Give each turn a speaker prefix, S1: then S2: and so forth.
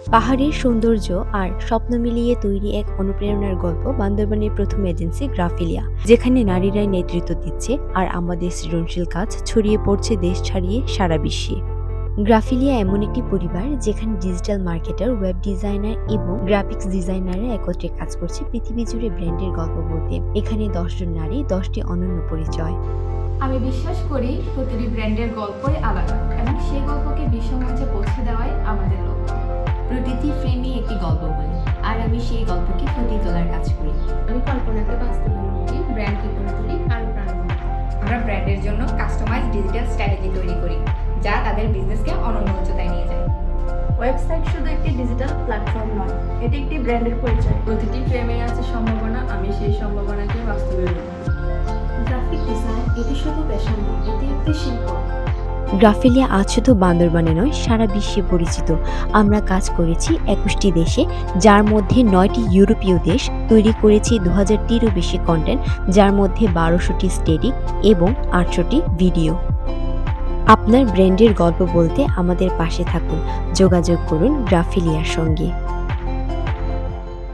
S1: পাহাড়ের সৌন্দর্য আর স্বপ্ন মিলিয়ে তৈরি এক অনুপ্রেরণার গল্প বান্দরবানের প্রথম এজেন্সি গ্রাফিলিয়া, যেখানে নারীরাই নেতৃত্ব দিচ্ছে আর আমাদের সৃজনশীল কাজ ছড়িয়ে পড়ছে দেশ ছাড়িয়ে সারা বিশ্বে। গ্রাফিলিয়া এমন একটি পরিবার যেখানে ডিজিটাল মার্কেটার, ওয়েব ডিজাইনার এবং গ্রাফিক্স ডিজাইনাররা একত্রে কাজ করছে পৃথিবী জুড়ে ব্র্যান্ডের গল্প বলতে। এখানে ১০ জন নারী, ১০টি অনন্য পরিচয়।
S2: আমি বিশ্বাস করি প্রতিটি ব্র্যান্ডের গল্পই আলাদা এবং সেই গল্পকে বিশ্বমঞ্চে পৌঁছে দেওয়াই আমাদের লক্ষ্য।
S3: প্রতিটি ফ্রেমে একটি গল্প বলি, আর আমি সেই গল্পকে ফুটিয়ে তোলার কাজ করি।
S4: আমি কল্পনাকে বাস্তবায়ন করি, ব্র্যান্ডকে করে তুলি আরও প্রাণবন্ত।
S5: আমরা ব্র্যান্ডের জন্য কাস্টমাইজ ডিজিটাল স্ট্র্যাটেজি তৈরি করি, যা তাদের বিজনেসকে অনন্য উচ্চতায় নিয়ে যায়।
S6: ওয়েবসাইট শুধু একটি ডিজিটাল প্ল্যাটফর্ম নয়, এটি একটি ব্র্যান্ডের পরিচয়।
S4: প্রতিটি ফ্রেমে আছে সম্ভাবনা, আমি সেই সম্ভাবনাকে বাস্তবায়ন করি।
S6: গ্রাফিক ডিজাইন এটি শুধু পেশা নয়, এটি একটি শিল্প।
S1: গ্রাফিলিয়া আজ শুধু বান্দরবানে নয়, সারা বিশ্বে পরিচিত। আমরা কাজ করেছি ২১টি দেশে, যার মধ্যে ৯টি ইউরোপীয় দেশ। তৈরি করেছি ২০০০টিরও বেশি কন্টেন্ট, যার মধ্যে ১২০০টি স্টেটিক এবং ৮০০টি ভিডিও। আপনার ব্র্যান্ডের গল্প বলতে আমাদের পাশে থাকুন। যোগাযোগ করুন গ্রাফিলিয়ার সঙ্গে।